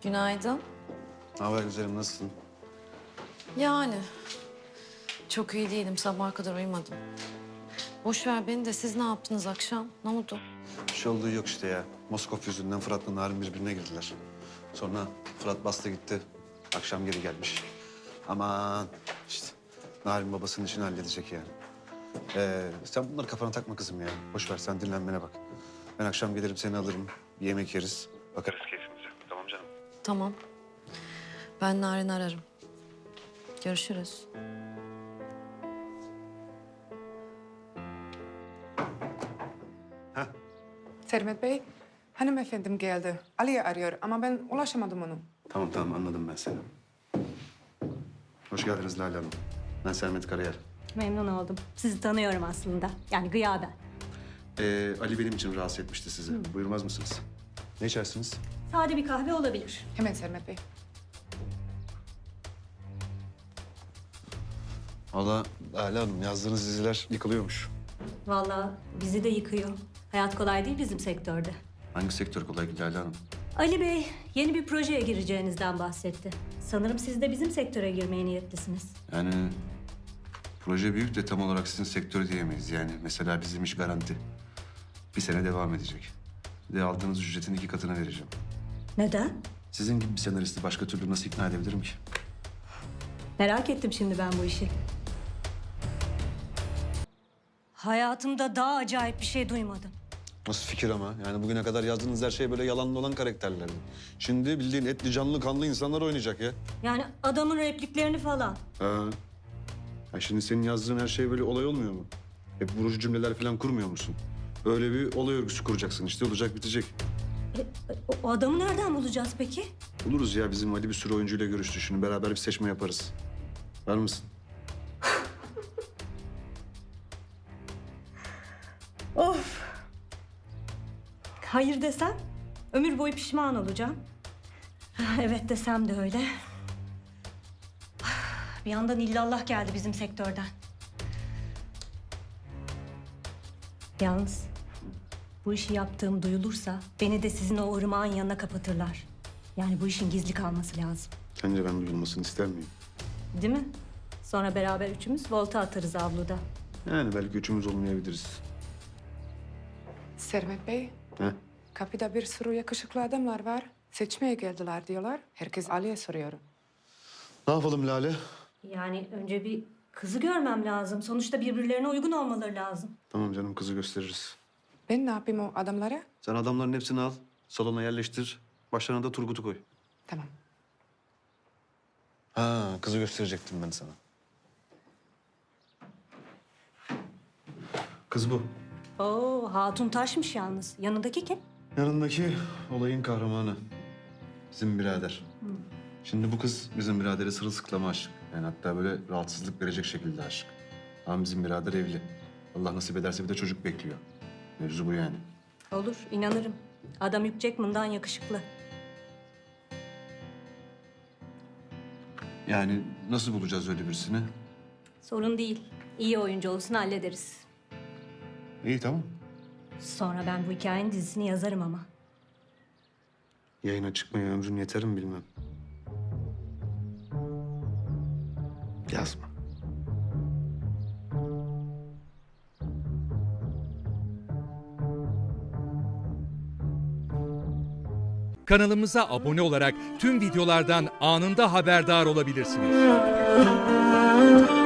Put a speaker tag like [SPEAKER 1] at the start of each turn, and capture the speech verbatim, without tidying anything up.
[SPEAKER 1] Günaydın.
[SPEAKER 2] Ne haber güzelim, nasılsın?
[SPEAKER 1] Yani çok iyi değilim. Sabaha kadar uyumadım. Boş ver beni de siz ne yaptınız akşam? Ne oldu?
[SPEAKER 2] Bir şey olduğu yok işte ya. Moskov yüzünden Fırat'la Narin birbirine girdiler. Sonra Fırat bastı gitti. Akşam geri gelmiş. Aman işte Narin babasının işini halledecek yani. Ee, sen bunları kafana takma kızım ya. Boş ver, sen dinlenmene bak. Ben akşam gelirim seni alırım. Bir yemek yeriz. Bakarız keyfimize. Tamam canım.
[SPEAKER 1] Tamam. Ben Narin'i ararım. Görüşürüz.
[SPEAKER 3] Sermet Bey, hanımefendim geldi. Ali'yi arıyor ama ben ulaşamadım onu.
[SPEAKER 2] Tamam tamam, anladım ben seni. Hoş geldiniz Lale Hanım. Ben Sermet Karayel.
[SPEAKER 4] Memnun oldum. Sizi tanıyorum aslında. Yani gıyaben.
[SPEAKER 2] Ee, Ali benim için rahatsız etmişti sizi. Buyurmaz mısınız? Ne içersiniz?
[SPEAKER 4] Sade bir kahve olabilir.
[SPEAKER 3] Hemen Sermet Bey.
[SPEAKER 2] Valla Lale Hanım, yazdığınız diziler yıkılıyormuş.
[SPEAKER 4] Vallahi bizi de yıkıyor. Hayat kolay değil bizim sektörde.
[SPEAKER 2] Hangi sektör kolay ki Lale Hanım?
[SPEAKER 4] Ali Bey yeni bir projeye gireceğinizden bahsetti. Sanırım siz de bizim sektöre girmeye niyetlisiniz.
[SPEAKER 2] Yani proje büyük de tam olarak sizin sektör diyemeyiz. Yani mesela bizim iş garanti. Bir sene devam edecek. Bir de aldığınız ücretin iki katını vereceğim.
[SPEAKER 4] Neden?
[SPEAKER 2] Sizin gibi bir senaristi başka türlü nasıl ikna edebilirim ki?
[SPEAKER 4] Merak ettim şimdi ben bu işi. Hayatımda daha acayip bir şey duymadım.
[SPEAKER 2] Nasıl fikir ama? Yani bugüne kadar yazdığınız her şey böyle yalanlı olan karakterlerdi. Şimdi bildiğin etli, canlı, kanlı insanlar oynayacak ya.
[SPEAKER 4] Yani adamın repliklerini falan.
[SPEAKER 2] Ha. Ya şimdi senin yazdığın her şey böyle olay olmuyor mu? Hep vurucu cümleler falan kurmuyor musun? Öyle bir olay örgüsü kuracaksın işte, olacak bitecek.
[SPEAKER 4] E, o, o adamı nereden bulacağız peki?
[SPEAKER 2] Buluruz ya, bizim Ali bir sürü oyuncuyla görüştü. Şimdi beraber bir seçme yaparız. Var mısın?
[SPEAKER 4] Of! Hayır desem ömür boyu pişman olacağım. Evet desem de öyle. Bir yandan illallah geldi bizim sektörden. Yalnız bu işi yaptığım duyulursa beni de sizin o ırmağın yanına kapatırlar. Yani bu işin gizli kalması lazım.
[SPEAKER 2] Sence ben duyulmasını ister miyim?
[SPEAKER 4] Değil mi? Sonra beraber üçümüz volta atarız avluda.
[SPEAKER 2] Yani belki üçümüz olmayabiliriz.
[SPEAKER 3] Sermet Bey,
[SPEAKER 2] He?
[SPEAKER 3] kapıda bir sürü yakışıklı adamlar var. Seçmeye geldiler diyorlar. Herkes Ali'ye soruyor.
[SPEAKER 2] Ne yapalım Lale?
[SPEAKER 4] Yani önce bir kızı görmem lazım. Sonuçta birbirlerine uygun olmaları lazım.
[SPEAKER 2] Tamam canım, kızı gösteririz.
[SPEAKER 3] Ben ne yapayım o adamlara?
[SPEAKER 2] Sen adamların hepsini al, salona yerleştir. Başlarına da Turgut'u koy.
[SPEAKER 3] Tamam.
[SPEAKER 2] Ha, kızı gösterecektim ben sana. Kız bu.
[SPEAKER 4] Oo, hatun taşmış yalnız. Yanındaki kim?
[SPEAKER 2] Yanındaki olayın kahramanı. Bizim birader. Şimdi bu kız bizim biradere sırılsıklama aşık. Yani hatta böyle rahatsızlık verecek şekilde aşık. Ama bizim birader evli. Allah nasip ederse bir de çocuk bekliyor. Mevzu bu yani.
[SPEAKER 4] Olur, inanırım. Adam Hugh Jackman'dan yakışıklı.
[SPEAKER 2] Yani nasıl bulacağız öyle birisini?
[SPEAKER 4] Sorun değil. İyi oyuncu olsun hallederiz.
[SPEAKER 2] İyi tamam.
[SPEAKER 4] Sonra ben bu hikayenin dizisini yazarım ama.
[SPEAKER 2] Yayına çıkmaya ömrün yeter mi bilmem. Yazma.
[SPEAKER 5] Kanalımıza abone olarak tüm videolardan anında haberdar olabilirsiniz.